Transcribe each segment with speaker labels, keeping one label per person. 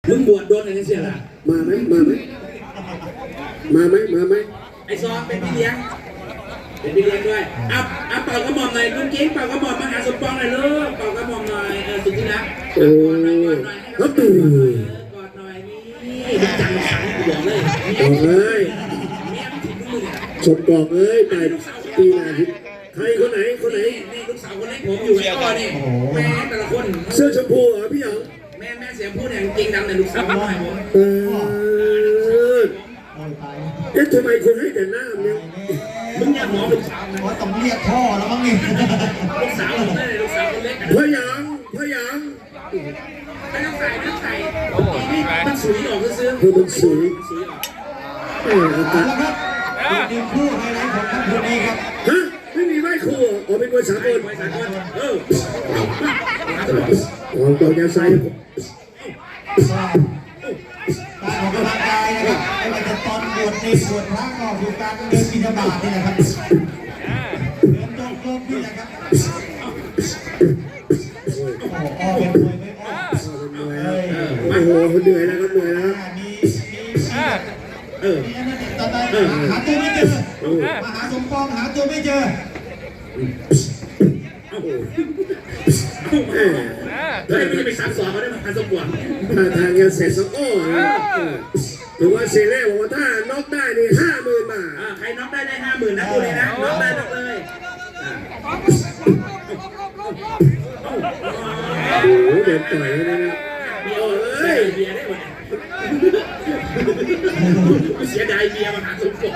Speaker 1: มึงบวชโดนอะไรเสียล่ะ
Speaker 2: มาไหม
Speaker 1: ไอ้ซองเป็นพี่เลี้ยงด้วยอัพเป่ากระหม่อมหน่อยลุงกิ๊กเป่ากระหม่อมมาหาสมปองหน่อยลูกเป่ากระหม่อมหน่อยสุดที่รักกอดหน่อยกอดหน่อยนี่จังสังกูบอกเลย
Speaker 2: บอกเลย
Speaker 1: เมียมันถิ่นมือเนี่ย
Speaker 2: สมบอกเลยไปปีหน้าใครคนไหน
Speaker 1: นี่ลูกสาวคนเล็กผมอยู่ก็นี่แม่แต่ละคน
Speaker 2: เสื้อชมพูเหรอพี่หยอง
Speaker 1: แม่เสียงพูดเนี่ยจริงดังแต่ลูกสาวน้อยผม
Speaker 2: ทำไมคุณให้แต่หน้าเนี่ย
Speaker 1: มึงอยากหมอลูกสาวไหม
Speaker 3: ว่าต้องเรียกพ่อแล้วมั้งนี่
Speaker 1: ลูกสาวผมได้ลูกสาวคนเล็ก
Speaker 2: พ่อหยาง
Speaker 1: ไม่ต้องใส่นี่มันสวยออกซื้อ
Speaker 2: มันสวย
Speaker 3: แล้วครับทีมคู่ไฮไลท์ของค่ำคืนนี้ครับ
Speaker 2: ฮะไม่มีไหว้ครูอ๋อเป็นคนสากลของต่อจะใส่
Speaker 3: การออกกำลังกายนะครับไม่ว่าจะตอนบวชในบวชพระก็คือการเดินบิณฑบาตนี่แหละครับเดินจงกรมนี่แหละครับอ้อเป็นมวยไม่อ้อ
Speaker 2: โอ้โหเหนื่อยแล้วครับ
Speaker 3: มีตอนนั้นหาตัวไม่เจอมาหาสมปองหาตัวไม่เจอ
Speaker 1: แล้วมันจะไปซักซ้อมเขาได้มาหาสมปอง
Speaker 2: ทางยังเสร็จสักอ้อถือว่าเซเล่บอกว่าถ้าน็อกได้นี่50,000 บาท
Speaker 1: ใครน็อกได้50,000นะตัวนี้นะน็อกได้น็อกเลย
Speaker 2: โอ้โหเด็ดต่อยแล้วนะ
Speaker 1: เบียร์ได้หมดเสียดายเบียร์มาหาสมปอง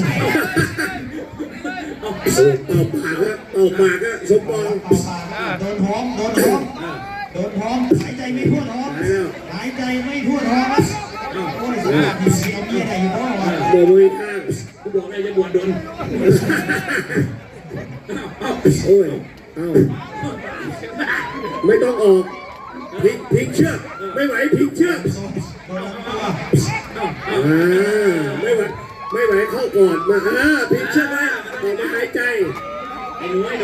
Speaker 2: ออกปากก็สมปอง
Speaker 3: โดนท้องหายใจไม่ทั่วท้องหายใจไม่ทั่วท้องโอ้ยสุดยอดที่เอาเมียได้อยู่เพราะว่า
Speaker 2: โดนมือข้าง
Speaker 1: กูบอกเลยจะบวชโดน
Speaker 2: โอ้ยไม่ต้องออกพลิกเชือกไม่ไหวพลิกเชือกไม่ไหวเข้าก่อนมาพลิกเชือกไว้ออกมาหายใจ
Speaker 1: ไอ้หนูไม่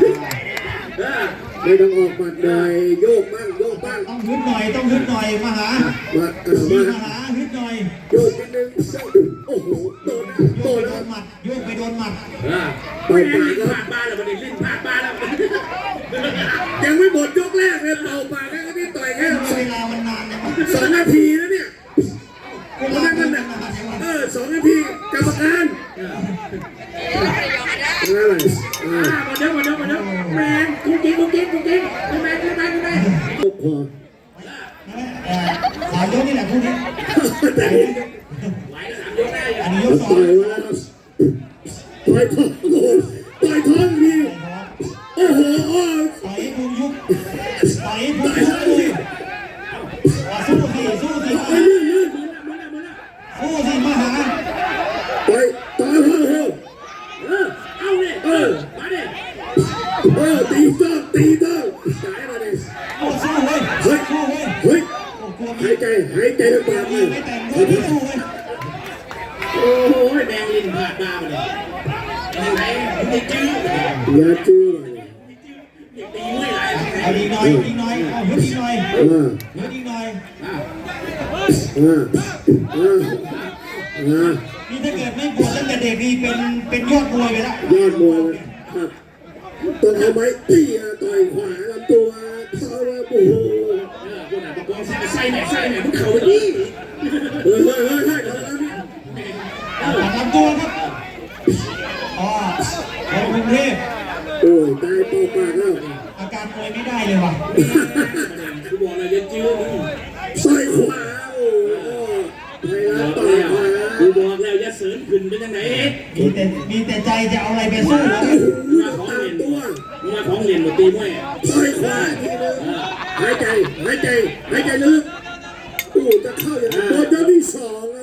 Speaker 2: ต้องออกบัดเลยโยกบ้าง
Speaker 3: ต้องฮึดหน่อยมาหาฮึดหน่อย
Speaker 2: โยกนิดนึงโอ้โหโดน
Speaker 3: หมัดโยกไปโดนหมัด
Speaker 1: ไม่ลิ้นพลาดบ้านแล้วมันลิ้นพลาดบ้านแล้ว
Speaker 2: ยังไม่หมดยกแรกเลยเป่าปากแล้วก็นี่ต่อยแค่
Speaker 3: เวลามันนาน
Speaker 2: 2 นาทีแล้วเนี่ย2 นาทีกรรมการอะไร
Speaker 1: มาเด้อแมนกุ้งกิ๊กแมน
Speaker 2: ตกคอ
Speaker 3: สายยกนี่แหละคู่นี้
Speaker 1: ไหวแล้ว3 ยกได้
Speaker 3: อันนี้ยก2
Speaker 2: ต่อยท้องดีโอ้โห
Speaker 3: ต่อยพุงยุบต่อยพุงยุบสู้สิมาหา
Speaker 2: ต่อยเอาเลย
Speaker 1: มาดิ
Speaker 2: ตีต้องสายมาดิ
Speaker 3: สู้เว้ย
Speaker 2: หายใจลำบากเลย
Speaker 3: ไม่แต่งตัวที่สู้เว้ย
Speaker 1: โอ้โหแดงลิ้นพลาดบ้าไปเลยยังไงมึงจะจื้อ
Speaker 2: อย่าจื้อ
Speaker 1: ตีไม่ไหล
Speaker 3: เอาดีหน่อยเอาฮึดดีหน่อยนี่ถ้าเกิดไม่บวชตั้งแต่เด็กนี่เป็นยอดมวยไปแล้ว
Speaker 2: ยอดมวยครับต้องเอาไม้ตีต่อยขวาลำตัวเขาว่าโอ้โห
Speaker 1: คนไหนประกอบใส่แหนมึงเข่าไปดิ
Speaker 3: ลำตัวครับคนกรุงเทพ
Speaker 2: โอ้ยตายเป่าปากแล้ว
Speaker 3: อาการมวยไม่ได้เลยว่ะ
Speaker 1: กูบอกเลยจะจื้อมึง
Speaker 2: ใส่ขวาโอ้ไทยรัฐต่อยขวา
Speaker 1: กูบอกแล้วอย่าเสริญขึ้นเป็นยังไง
Speaker 3: มีแต่ใจจะเอาอะไรไปสู้
Speaker 2: มา
Speaker 1: ของเรียนหมดตีมวย
Speaker 2: ใส่ขวาทีนึงหายใจลึกจะเข้าอย่างโดนยกที่2